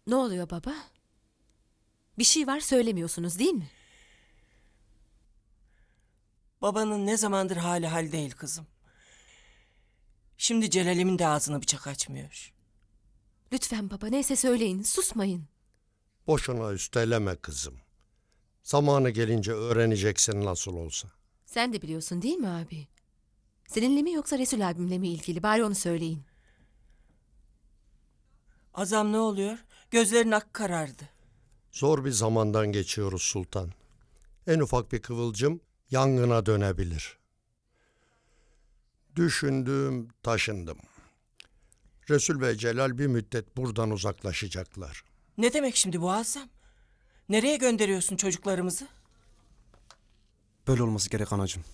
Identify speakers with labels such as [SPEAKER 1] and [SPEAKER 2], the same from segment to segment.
[SPEAKER 1] Ne oluyor baba? Bir şey var söylemiyorsunuz değil mi?
[SPEAKER 2] Babanın ne zamandır hali hal değil kızım. Şimdi Celal'imin de ağzını bıçak açmıyor.
[SPEAKER 1] Lütfen baba neyse söyleyin susmayın.
[SPEAKER 3] Boşuna üsteleme kızım. Zamanı gelince öğreneceksin nasıl olsa.
[SPEAKER 1] Sen de biliyorsun değil mi abi? Seninle mi yoksa Resul abimle mi ilgili? Bari onu söyleyin.
[SPEAKER 2] Azam ne oluyor? Gözlerin ak karardı.
[SPEAKER 3] Zor bir zamandan geçiyoruz sultan. En ufak bir kıvılcım yangına dönebilir. Düşündüm, taşındım. Resul ve Celal bir müddet buradan uzaklaşacaklar.
[SPEAKER 2] Ne demek şimdi bu Azam? Nereye gönderiyorsun çocuklarımızı?
[SPEAKER 4] Böyle olması gerek anacığım.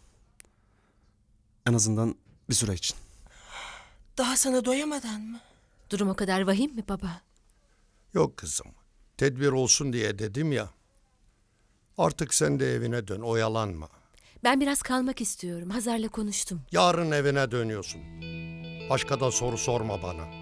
[SPEAKER 4] En azından bir süre için.
[SPEAKER 2] Daha sana doyamadan mı?
[SPEAKER 1] Durum o kadar vahim mi baba?
[SPEAKER 3] Yok kızım, tedbir olsun diye dedim ya. Artık sen de evine dön, oyalanma.
[SPEAKER 1] Ben biraz kalmak istiyorum. Hazar'la konuştum.
[SPEAKER 3] Yarın evine dönüyorsun. Başka da soru sorma bana.